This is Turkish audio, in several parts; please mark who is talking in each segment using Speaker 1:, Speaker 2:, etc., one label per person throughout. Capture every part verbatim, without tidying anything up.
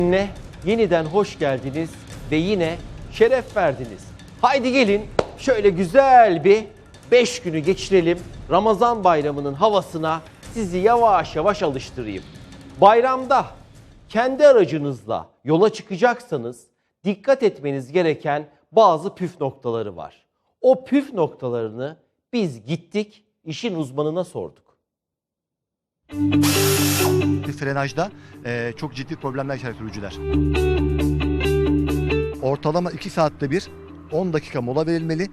Speaker 1: Ne? Yeniden hoş geldiniz ve yine şeref verdiniz. Haydi gelin şöyle güzel bir beş günü geçirelim. Ramazan bayramının havasına sizi yavaş yavaş alıştırayım. Bayramda kendi aracınızla yola çıkacaksanız dikkat etmeniz gereken bazı püf noktaları var. O püf noktalarını biz gittik işin uzmanına sorduk.
Speaker 2: Frenajda e, çok ciddi problemler yaşar sürücüler. Ortalama iki saatte bir on dakika mola verilmeli.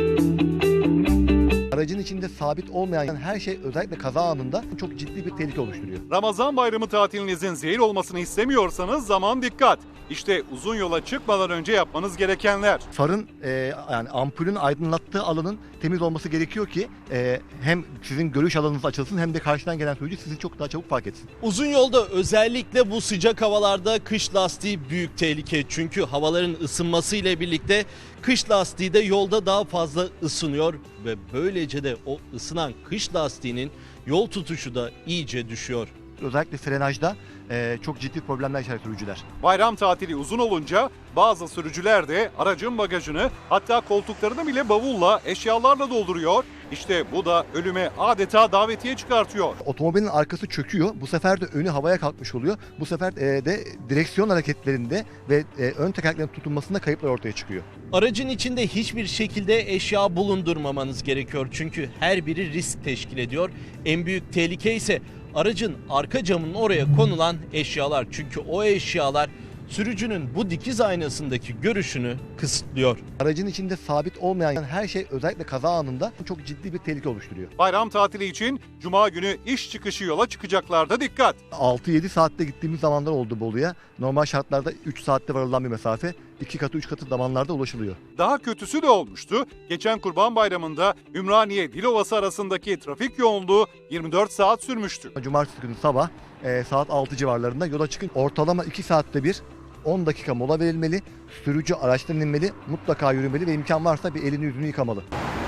Speaker 2: Aracın içinde sabit olmayan her şey özellikle kaza anında çok ciddi bir tehlike oluşturuyor.
Speaker 3: Ramazan bayramı tatilinizin zehir olmasını istemiyorsanız zaman dikkat. İşte uzun yola çıkmadan önce yapmanız gerekenler.
Speaker 2: Farın e, yani ampulün aydınlattığı alanın temiz olması gerekiyor ki e, hem sizin görüş alanınız açılsın hem de karşıdan gelen sürücü sizi çok daha çabuk fark etsin.
Speaker 4: Uzun yolda özellikle bu sıcak havalarda kış lastiği büyük tehlike. Çünkü havaların ısınması ile birlikte kış lastiği de yolda daha fazla ısınıyor ve böylece de o ısınan kış lastiğinin yol tutuşu da iyice düşüyor.
Speaker 2: Özellikle frenajda e, çok ciddi problemler yaşar sürücüler.
Speaker 3: Bayram tatili uzun olunca bazı sürücüler de aracın bagajını, hatta koltuklarını bile bavulla, eşyalarla dolduruyor. İşte bu da ölüme adeta davetiye çıkartıyor.
Speaker 2: Otomobilin arkası çöküyor. Bu sefer de önü havaya kalkmış oluyor. Bu sefer e, de direksiyon hareketlerinde ve e, ön tekerleklerin tutunmasında kayıplar ortaya çıkıyor.
Speaker 4: Aracın içinde hiçbir şekilde eşya bulundurmamanız gerekiyor. Çünkü her biri risk teşkil ediyor. En büyük tehlike ise aracın arka camının oraya konulan eşyalar. Çünkü o eşyalar sürücünün bu dikiz aynasındaki görüşünü kısıtlıyor.
Speaker 2: Aracın içinde sabit olmayan her şey özellikle kaza anında çok ciddi bir tehlike oluşturuyor.
Speaker 3: Bayram tatili için Cuma günü iş çıkışı yola çıkacaklarda dikkat.
Speaker 2: altı yedi saatte gittiğimiz zamanlar oldu Bolu'ya. Normal şartlarda üç saatte varılan bir mesafe iki katı üç katı zamanlarda ulaşılıyor.
Speaker 3: Daha kötüsü de olmuştu. Geçen Kurban Bayramı'nda Ümraniye Dilovası arasındaki trafik yoğunluğu yirmi dört saat sürmüştü.
Speaker 2: Cumartesi günü sabah e, saat altı civarlarında yola çıkın. Ortalama iki saatte bir on dakika mola verilmeli. Sürücü araçtan inmeli, mutlaka yürümeli ve imkan varsa bir elini yüzünü yıkamalı.